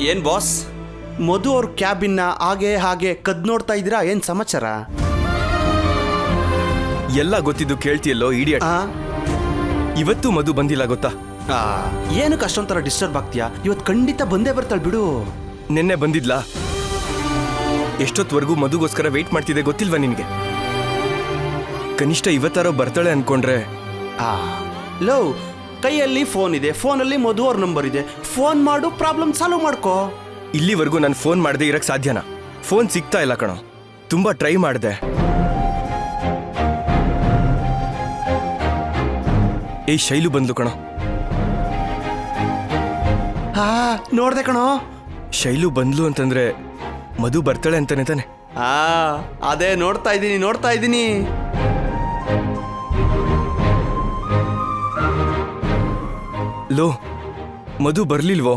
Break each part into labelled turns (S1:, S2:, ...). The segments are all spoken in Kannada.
S1: ಏನ್ ಬಾಸ್, ಮಧು ಅವ್ರ ಕ್ಯಾಬಿನ್ನ ಹಾಗೆ ಕದ್ ನೋಡ್ತಾ ಇದ್ದೀರಾ? ಏನ್ ಸಮಾಚಾರ?
S2: ಎಲ್ಲ ಗೊತ್ತಿದ್ದು ಕೇಳ್ತಿಯಲ್ಲೋ ಇಡಿಯಟ್. ಇವತ್ತು ಮಧು ಬಂದಿಲ್ಲ ಗೊತ್ತಾ?
S1: ಏನಕ್ಕೆ ಅಷ್ಟೊಂಥರ ಡಿಸ್ಟರ್ಬ್ ಆಗ್ತೀಯಾ? ಇವತ್ತು ಖಂಡಿತ ಬಂದೇ ಬರ್ತಾಳೆ ಬಿಡು.
S2: ನಿನ್ನೆ ಬಂದಿದ್ಲಾ? ಎಷ್ಟೊತ್ವರೆಗೂ ಮಧುಗೋಸ್ಕರ ವೇಟ್ ಮಾಡ್ತಿದ್ದೆ ಗೊತ್ತಿಲ್ವಾ ನಿನಗೆ? ಕನಿಷ್ಠ ಇವತ್ತಾರೋ ಬರ್ತಾಳೆ ಅನ್ಕೊಂಡ್ರೆ.
S1: ಲೋ, ಕೈಯಲ್ಲಿ ಫೋನ್ ಇದೆ, ಫೋನಲ್ಲಿ ಮಧು ಅವ್ರ ನಂಬರ್ ಇದೆ, ಫೋನ್ ಮಾಡು, ಪ್ರಾಬ್ಲಮ್ ಸಾಲ್ವ್ ಮಾಡ್ಕೋ.
S2: ಇಲ್ಲಿವರೆಗೂ ನಾನು ಫೋನ್ ಮಾಡದೆ ಇರಕ್ ಸಾಧ್ಯನಾ? ಫೋನ್ ಸಿಗ್ತಾ ಇಲ್ಲ ಕಣೋ, ತುಂಬಾ ಟ್ರೈ ಮಾಡಿದೆ. ಏಯ್ ಶೈಲು ಬಂದ್ಲು ಕಣೋ.
S1: ನೋಡ್ದೆ ಕಣೋ,
S2: ಶೈಲು ಬಂದ್ಲು ಅಂತಂದ್ರೆ ಮಧು ಬರ್ತಾಳೆ ಅಂತಾನೆ ತಾನೆ?
S1: ಅದೇ ನೋಡ್ತಾ ಇದ್ದೀನಿ.
S2: ಲೋ, ಮಧು ಬರ್ಲಿಲ್ವೋ?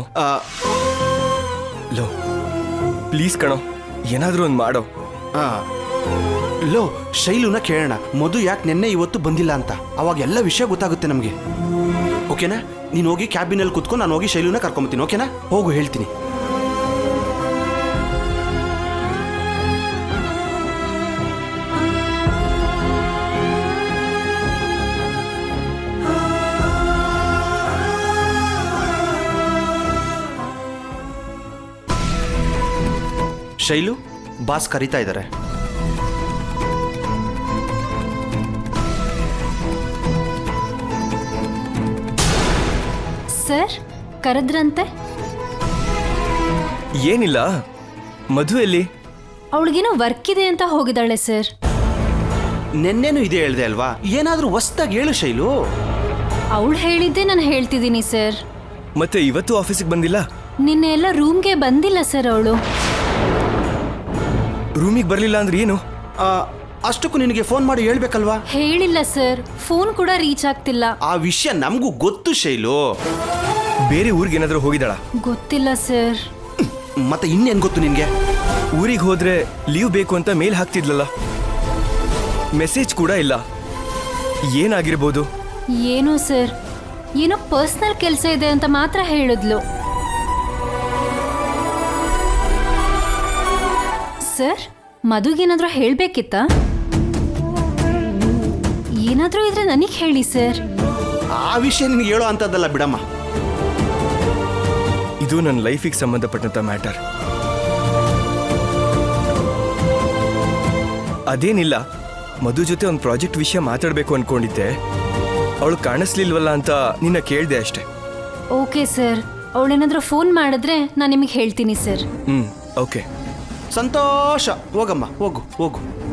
S2: ಲೋ ಪ್ಲೀಸ್ ಕಣೋ, ಏನಾದ್ರೂ ಒಂದು ಮಾಡೋ.
S1: ಲೋ, ಶೈಲುನ ಕೇಳೋಣ, ಮಧು ಯಾಕೆ ನಿನ್ನೆ ಇವತ್ತು ಬಂದಿಲ್ಲ ಅಂತ. ಅವಾಗ ಎಲ್ಲ ವಿಷಯ ಗೊತ್ತಾಗುತ್ತೆ ನಮಗೆ. ಓಕೆನಾ? ನೀನು ಹೋಗಿ ಕ್ಯಾಬಿನಲ್ಲಿ ಕುತ್ಕೊಂಡು ನಾನು ಹೋಗಿ ಶೈಲುನ ಕರ್ಕೊಂಬತ್ತೀನಿ. ಓಕೆನಾ? ಹೋಗು, ಹೇಳ್ತೀನಿ. ಶೈಲು, ಬಾಸ್ ಕರೀತಾ ಇದ್ದಾರೆ.
S3: ಸರ್, ಕರೆದ್ರಂತೆ?
S2: ಏನಿಲ್ಲ, ಮಧು ಎಲ್ಲಿ?
S3: ಅವಳಿಗೇನೋ ವರ್ಕ್ ಇದೆ ಅಂತ ಹೋಗಿದ್ದಾಳೆ ಸರ್.
S1: ನೆನ್ನೆನೂ ಇದೆ ಹೇಳ್ದೆ ಅಲ್ವಾ? ಏನಾದರೂ ಹೊಸ್ದಾಗಿ ಹೇಳು ಶೈಲು.
S3: ಅವಳು ಹೇಳಿದ್ದೆ ನಾನು ಹೇಳ್ತಿದ್ದೀನಿ ಸರ್.
S2: ಮತ್ತೆ ಇವತ್ತು ಆಫೀಸಿಗೆ ಬಂದಿಲ್ಲ?
S3: ನಿನ್ನೆ ಎಲ್ಲ ರೂಮ್ಗೆ ಬಂದಿಲ್ಲ ಸರ್ ಅವಳು.
S2: ರೂಮಿಗೆ ಬರಲಿಲ್ಲ ಅಂದ್ರೆ ಏನು?
S1: ಅಷ್ಟಕ್ಕೂ ನಿನಗೆ ಫೋನ್ ಮಾಡಿ ಹೇಳ್ಬೇಕಲ್ವಾ?
S3: ಹೇಳಿಲ್ಲ ಸರ್, ಫೋನ್ ಕೂಡ ರೀಚ್ ಆಗ್ತಿಲ್ಲ.
S1: ಆ ವಿಷಯ ನಮಗೂ ಗೊತ್ತು ಶೈಲು.
S2: ಬೇರೆ ಊರಿಗೆ ಏನಾದರೂ ಹೋಗಿದ್ದಾಳ?
S3: ಗೊತ್ತಿಲ್ಲ ಸರ್.
S1: ಮತ್ತೆ ಇನ್ನೇನು ಗೊತ್ತು ನಿನಗೆ?
S2: ಊರಿಗೆ ಹೋದ್ರೆ ಲೀವ್ ಬೇಕು ಅಂತ ಮೇಲ್ ಹಾಕ್ತಿದ್ಲಲ್ಲ, ಮೆಸೇಜ್ ಕೂಡ ಇಲ್ಲ. ಏನಾಗಿರ್ಬೋದು?
S3: ಏನೋ ಸರ್, ಏನೋ ಪರ್ಸನಲ್ ಕೆಲಸ ಇದೆ ಅಂತ ಮಾತ್ರ ಹೇಳಿದ್ಲು. ಸರ್, ಮಧುಗೇನಾದ್ರೂ ಹೇಳ್ಬೇಕಿತ್ತಾ? ಏನಾದ್ರೂ ಇದ್ರೆ ನನಗೆ ಹೇಳಿ ಸರ್.
S1: ಆ ವಿಷಯ ನಿನಗೆ ಹೇಳೋ ಅಂತದ್ದಲ್ಲ ಬಿಡಮ್ಮ.
S2: ಇದು ನನ್ನ ಲೈಫಿಗೆ ಸಂಬಂಧಪಟ್ಟಂತ ಮ್ಯಾಟರ್. ಅದೇನಿಲ್ಲ, ಮಧು ಜೊತೆ ಒಂದು ಪ್ರಾಜೆಕ್ಟ್ ವಿಷಯ ಮಾತಾಡಬೇಕು ಅನ್ಕೊಂಡಿದ್ದೆ. ಅವಳು ಕಾಣಿಸ್ಲಿಲ್ವಲ್ಲ ಅಂತ ನಿನ್ನ ಕೇಳಿದೆ ಅಷ್ಟೆ.
S3: ಓಕೆ ಸರ್, ಅವಳೇನಾದ್ರೂ ಫೋನ್ ಮಾಡಿದ್ರೆ ನಾನು ನಿಮಗೆ ಹೇಳ್ತೀನಿ ಸರ್.
S2: ಓಕೆ.
S1: ಸಂತೋಷ. ಹೋಗಮ್ಮ, ಹೋಗು.